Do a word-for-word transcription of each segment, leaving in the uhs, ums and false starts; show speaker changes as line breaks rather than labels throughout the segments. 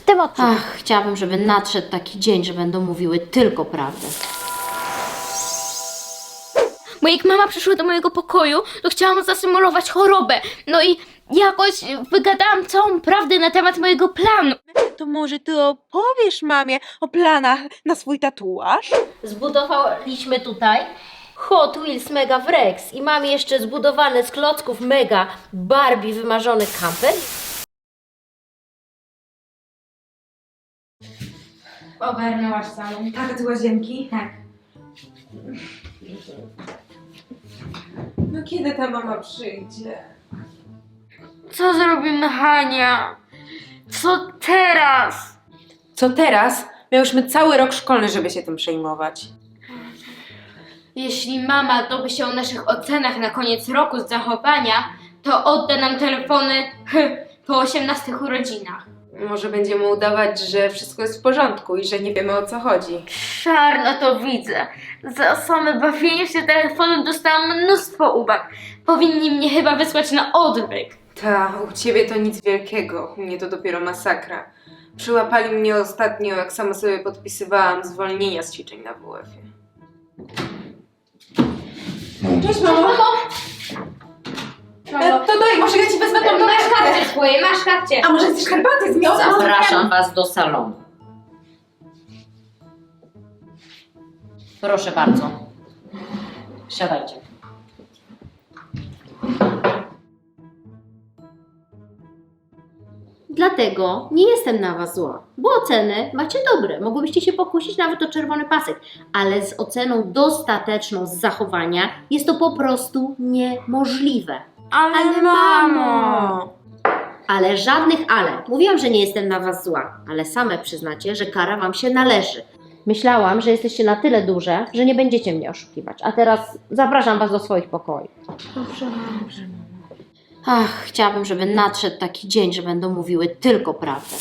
tym odcinku.
Ach, chciałabym, żeby nadszedł taki dzień, że będą mówiły tylko prawdę.
Bo jak mama przyszła do mojego pokoju, to chciałam zasymulować chorobę. No i jakoś wygadałam całą prawdę na temat mojego planu.
To może ty opowiesz mamie o planach na swój tatuaż?
Zbudowaliśmy tutaj Hot Wheels Mega Wrex i mam jeszcze zbudowany z klocków Mega Barbie wymarzony kamper.
Ogarnęłaś salon.
Tak, ty łazienki?
Tak.
No kiedy ta mama przyjdzie?
Co zrobimy, Hania? Co teraz?
Co teraz? Miałyśmy cały rok szkolny, żeby się tym przejmować.
Jeśli mama dowie się o naszych ocenach na koniec roku z zachowania, to odda nam telefony po osiemnastych urodzinach.
Może będziemy udawać, że wszystko jest w porządku i że nie wiemy, o co chodzi.
Czarno to widzę. Za same bawienie się telefonem dostałam mnóstwo uwag. Powinni mnie chyba wysłać na odwyk.
Ta, u ciebie to nic wielkiego, u mnie to dopiero masakra. Przyłapali mnie ostatnio, jak sama sobie podpisywałam zwolnienia z ćwiczeń na W F-ie. Cześć, mamo! E, to daj, może ja ci wezmę tą
Masz
torebkę.
kapcie swoje, masz kapcie.
A może chcesz herbaty z miodem?
Zapraszam Was do salonu. Proszę bardzo. Siadajcie. Dlatego nie jestem na Was zła, bo oceny macie dobre. Mogłybyście się pokusić nawet o czerwony pasek, ale z oceną dostateczną z zachowania jest to po prostu niemożliwe.
Ale,
Ale mamo! Ale żadnych ale. Mówiłam, że nie jestem na Was zła, ale same przyznacie, że kara Wam się należy. Myślałam, że jesteście na tyle duże, że nie będziecie mnie oszukiwać. A teraz zapraszam Was do swoich pokoi.
Dobrze, dobrze.
Ach, chciałabym, żeby nadszedł taki dzień, że będą mówiły tylko prawdę.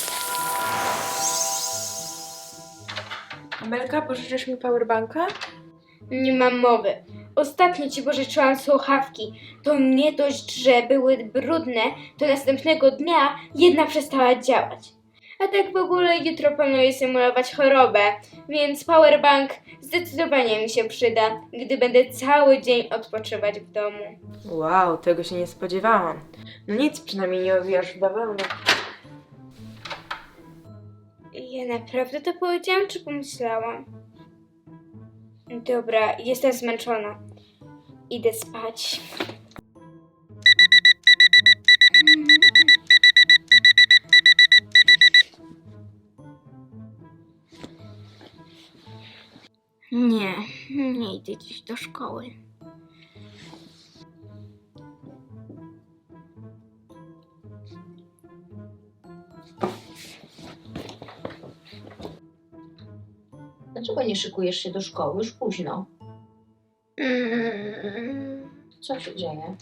Amelka, pożyczysz mi powerbanka?
Nie mam mowy. Ostatnio ci pożyczyłam słuchawki. To nie dość, że były brudne, to następnego dnia jedna przestała działać. A tak w ogóle jutro planuję symulować chorobę, więc powerbank zdecydowanie mi się przyda, gdy będę cały dzień odpoczywać w domu.
Wow, tego się nie spodziewałam. No nic, przynajmniej nie owijasz w bawełnę.
Ja naprawdę to powiedziałam, czy pomyślałam? Dobra, jestem zmęczona. Idę spać. Nie, nie idę dziś do szkoły.
Dlaczego nie szykujesz się do szkoły? Już późno.
Mm.
Co się dzieje?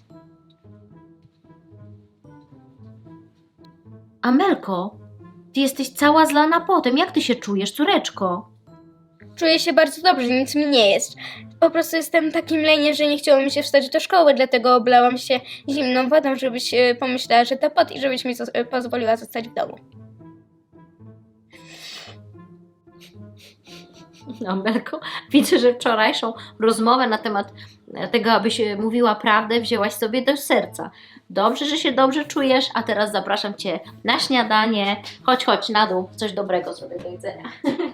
Amelko, Ty jesteś cała zlana potem. Jak Ty się czujesz, córeczko?
Czuję się bardzo dobrze, nic mi nie jest. Po prostu jestem takim leniem, że nie chciało mi się wstać do szkoły, dlatego oblałam się zimną wodą, żebyś e, pomyślała, że to pot i żebyś mi zo- e, pozwoliła zostać w domu.
Amelko, widzę, że wczorajszą rozmowę na temat tego, abyś mówiła prawdę, wzięłaś sobie do serca. Dobrze, że się dobrze czujesz, a teraz zapraszam Cię na śniadanie. Chodź, chodź na dół, coś dobrego sobie do jedzenia.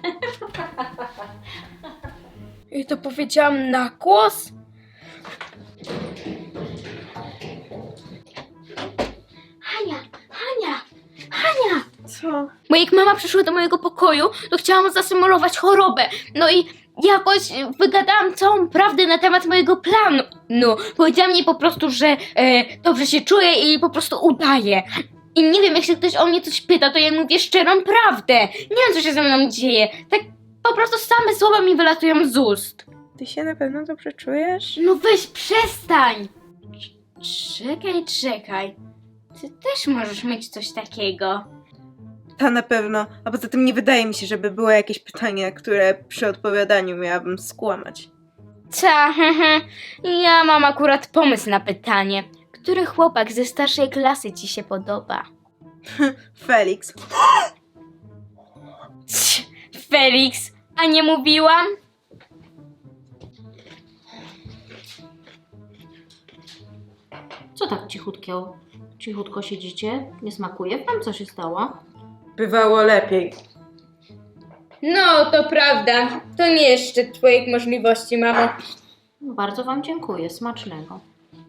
I to powiedziałam na głos? Hania, Hania, Hania!
Co?
Bo jak mama przyszła do mojego pokoju, to chciałam zasymulować chorobę. No i jakoś wygadałam całą prawdę na temat mojego planu. No, powiedziała mi po prostu, że e, dobrze się czuję i po prostu udaję. I nie wiem, jak się ktoś o mnie coś pyta, to ja mówię szczerą prawdę. Nie wiem, co się ze mną dzieje. Tak po prostu same słowa mi wylatują z ust.
Ty się na pewno dobrze czujesz?
No weź, przestań! Czekaj, czekaj. Ty też możesz mieć coś takiego.
Ta na pewno, a poza tym nie wydaje mi się, żeby było jakieś pytanie, które przy odpowiadaniu miałabym skłamać.
Ta, hehe. Ja mam akurat pomysł na pytanie. Który chłopak ze starszej klasy ci się podoba?
Felix.
Felix, a nie mówiłam?
Co tak cichutko, cichutko siedzicie? Nie smakuje wam? Co się stało?
Bywało lepiej.
No, to prawda. To nie jest szczyt twoich możliwości, mamo.
No, bardzo wam dziękuję, smacznego.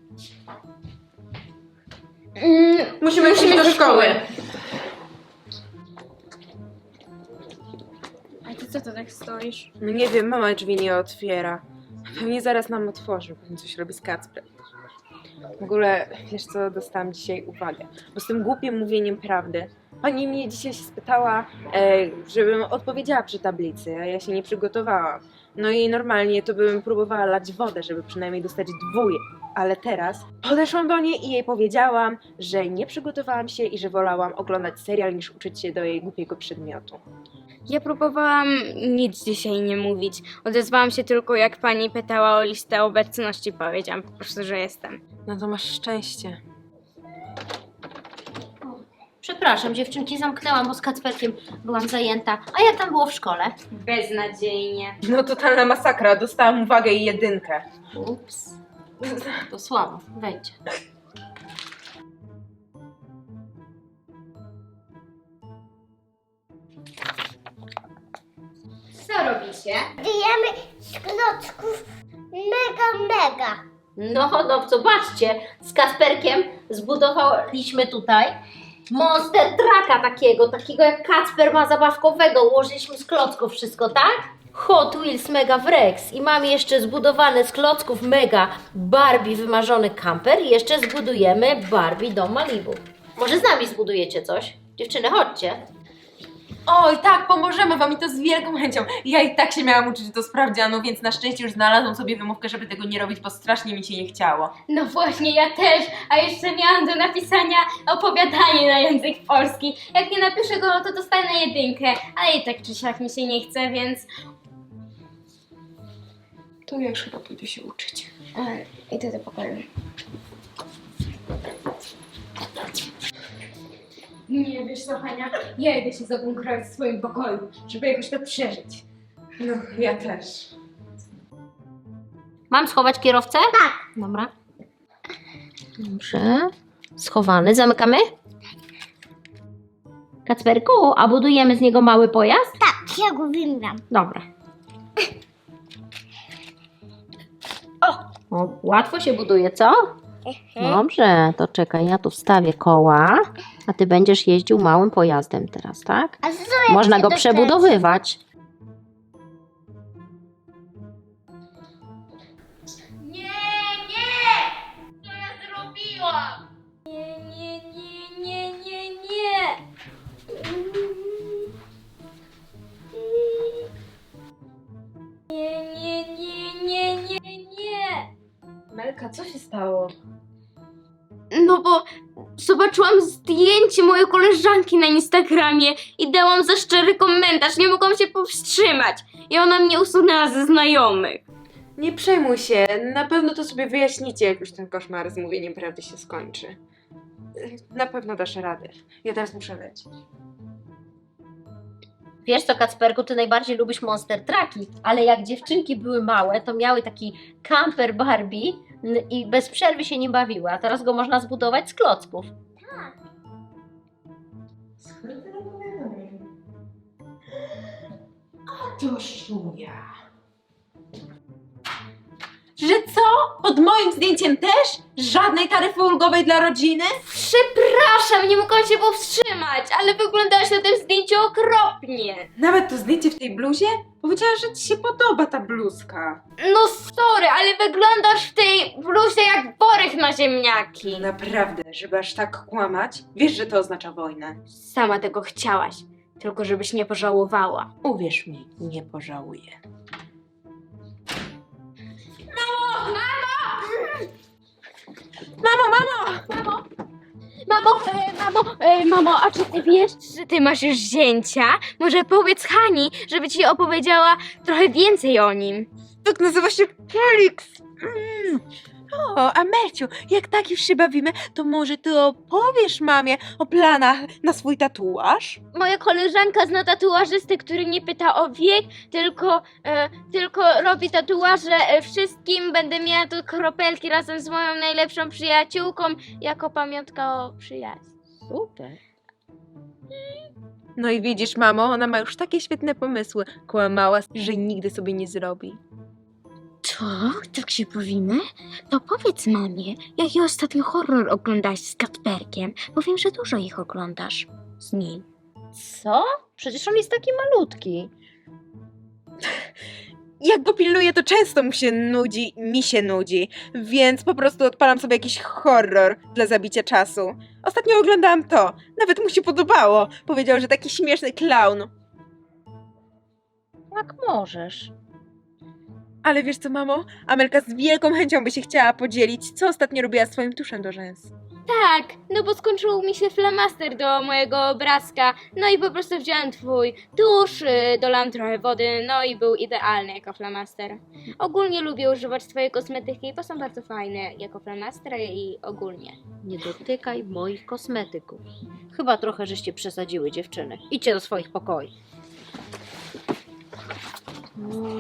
Mm,
Musimy iść do szkoły.
A ty co to tak stoisz?
No nie wiem, mama drzwi nie otwiera. Pewnie zaraz nam otworzy, pewnie coś robi z Kacprem. W ogóle, wiesz co, dostałam dzisiaj uwagę, bo z tym głupim mówieniem prawdy. Pani mnie dzisiaj się spytała, e, żebym odpowiedziała przy tablicy, a ja się nie przygotowałam. No i normalnie to bym próbowała lać wodę, żeby przynajmniej dostać dwóje. Ale teraz podeszłam do niej i jej powiedziałam, że nie przygotowałam się i że wolałam oglądać serial niż uczyć się do jej głupiego przedmiotu.
Ja próbowałam nic dzisiaj nie mówić. Odezwałam się tylko, jak pani pytała o listę obecności. Powiedziałam po prostu, że jestem.
No to masz szczęście.
Przepraszam, dziewczynki, zamknęłam, bo z Kacperkiem byłam zajęta. A jak tam było w szkole?
Beznadziejnie.
No totalna masakra, dostałam uwagę i jedynkę.
Ups. To słabo, wejdźcie.
Co robicie?
Jemy z klocków mega, mega.
No, no, zobaczcie, z Kacperkiem zbudowaliśmy tutaj Monster Trucka takiego, takiego jak Kacper ma zabawkowego. Ułożyliśmy z klocków wszystko, tak? Hot Wheels Mega Wrex i mamy jeszcze zbudowany z klocków Mega Barbie wymarzony kamper i jeszcze zbudujemy Barbie dom Malibu. Może z nami zbudujecie coś? Dziewczyny, chodźcie.
Oj, tak, pomożemy wam i to z wielką chęcią. Ja i tak się miałam uczyć do sprawdzianu, więc na szczęście już znalazłam sobie wymówkę, żeby tego nie robić, bo strasznie mi się nie chciało.
No właśnie, ja też. A jeszcze miałam do napisania opowiadanie na język polski. Jak nie napiszę go, no to dostanę jedynkę. Ale i tak czy siak mi się nie chce, więc...
To ja już chyba pójdę się uczyć.
E, idę do pokoju. Nie wiesz co, Hania, ja idę się zabunkrować w swoim pokoju, żeby jakoś to przeżyć.
No, ja też.
Mam schować kierowcę? Tak. Dobra. Dobrze. Schowany. Zamykamy? Kacperku, a budujemy z niego mały pojazd?
Tak, ja go wymieniam.
Dobra. O! O, łatwo się buduje, co? Dobrze, to czekaj, ja tu wstawię koła, a ty będziesz jeździł małym pojazdem teraz, tak?
A co jak
Można
się
go
dokręci?
przebudowywać.
Nie, nie! Co ja zrobiłam? Nie, nie, nie, nie, nie, nie! Nie, nie, nie, nie, nie, nie!
Melka, co się stało?
No bo zobaczyłam zdjęcie mojej koleżanki na Instagramie i dałam za szczery komentarz, nie mogłam się powstrzymać. I ona mnie usunęła ze znajomych.
Nie przejmuj się, na pewno to sobie wyjaśnicie, jak już ten koszmar z mówieniem prawdy się skończy. Na pewno dasz radę. Ja teraz muszę lecieć.
Wiesz co, Kacperku, ty najbardziej lubisz Monster Trucki, ale jak dziewczynki były małe, to miały taki camper Barbie n- i bez przerwy się nie bawiły, a teraz go można zbudować z klocków.
To szuja. Że co? Pod moim zdjęciem też? Żadnej taryfy ulgowej dla rodziny?
Przepraszam, nie mogłam się powstrzymać, ale wyglądałaś na tym zdjęciu okropnie.
Nawet to zdjęcie w tej bluzie? Powiedziała, że ci się podoba ta bluzka.
No sorry, ale wyglądasz w tej bluzie jak worek na ziemniaki.
Naprawdę, żeby aż tak kłamać? Wiesz, że to oznacza wojnę.
Sama tego chciałaś, tylko żebyś nie pożałowała.
Uwierz mi, nie pożałuję. Mamo, mamo!
Mamo, e, mamo, e, mamo, a czy ty wiesz, że ty masz już zięcia? Może powiedz Hani, żeby ci opowiedziała trochę więcej o nim.
Tak nazywa się Felix. Mm. O, Amelciu, jak tak już się bawimy, to może ty opowiesz mamie o planach na swój tatuaż?
Moja koleżanka zna tatuażystę, który nie pyta o wiek, tylko, e, tylko robi tatuaże e, wszystkim. Będę miała tu kropelki razem z moją najlepszą przyjaciółką jako pamiątka o przyjaźni.
Super.
No i widzisz, mamo, ona ma już takie świetne pomysły. Kłamała, że nigdy sobie nie zrobi.
Co? Tak się powinno? To powiedz mamie, jaki ostatnio horror oglądałaś z Kacperkiem, bo wiem, że dużo ich oglądasz z nim.
Co? Przecież on jest taki malutki.
Jak go pilnuję, to często mu się nudzi, mi się nudzi, więc po prostu odpalam sobie jakiś horror dla zabicia czasu. Ostatnio oglądałam to, nawet mu się podobało. Powiedział, że taki śmieszny klaun.
Jak możesz.
Ale wiesz co, mamo? Amelka z wielką chęcią by się chciała podzielić, co ostatnio robiła swoim tuszem do rzęs.
Tak, no bo skończył mi się flamaster do mojego obrazka, no i po prostu wziąłem twój tusz, y, dolałam trochę wody, no i był idealny jako flamaster. Ogólnie lubię używać twojej kosmetyki, bo są bardzo fajne jako flamaster i ogólnie.
Nie dotykaj moich kosmetyków. Chyba trochę żeście przesadziły, dziewczyny. Idźcie do swoich pokoi. No.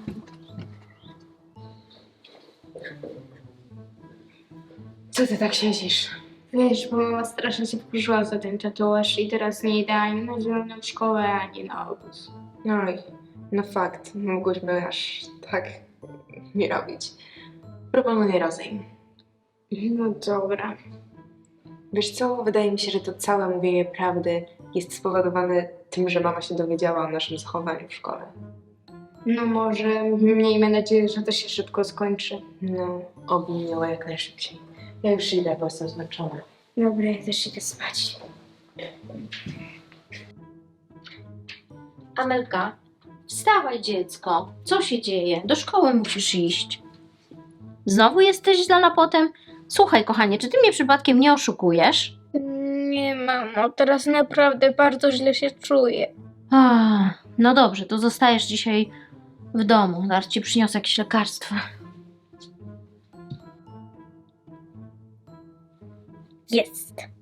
Co ty tak siedzisz?
Wiesz, bo mama strasznie się wkurzyła za ten tatuaż i teraz nie idę ani na zieloną szkołę, ani na obóz.
Oj, no fakt, mogłyśmy aż tak nie robić. Proponuję rozejm.
No dobra.
Wiesz co, wydaje mi się, że to całe mówienie prawdy jest spowodowane tym, że mama się dowiedziała o naszym zachowaniu w szkole.
No może, miejmy nadzieję, że to się szybko skończy.
No, oby minęło jak najszybciej. Ja już idę, bo jestem zmęczona.
Dobra, ja też idę spać.
Amelka, wstawaj dziecko. Co się dzieje? Do szkoły musisz iść. Znowu jesteś źle potem? Słuchaj, kochanie, czy ty mnie przypadkiem nie oszukujesz?
Nie, mamo, teraz naprawdę bardzo źle się czuję.
Ach, no dobrze, to zostajesz dzisiaj w domu. Zaraz ci przyniosę jakieś lekarstwa.
Jest.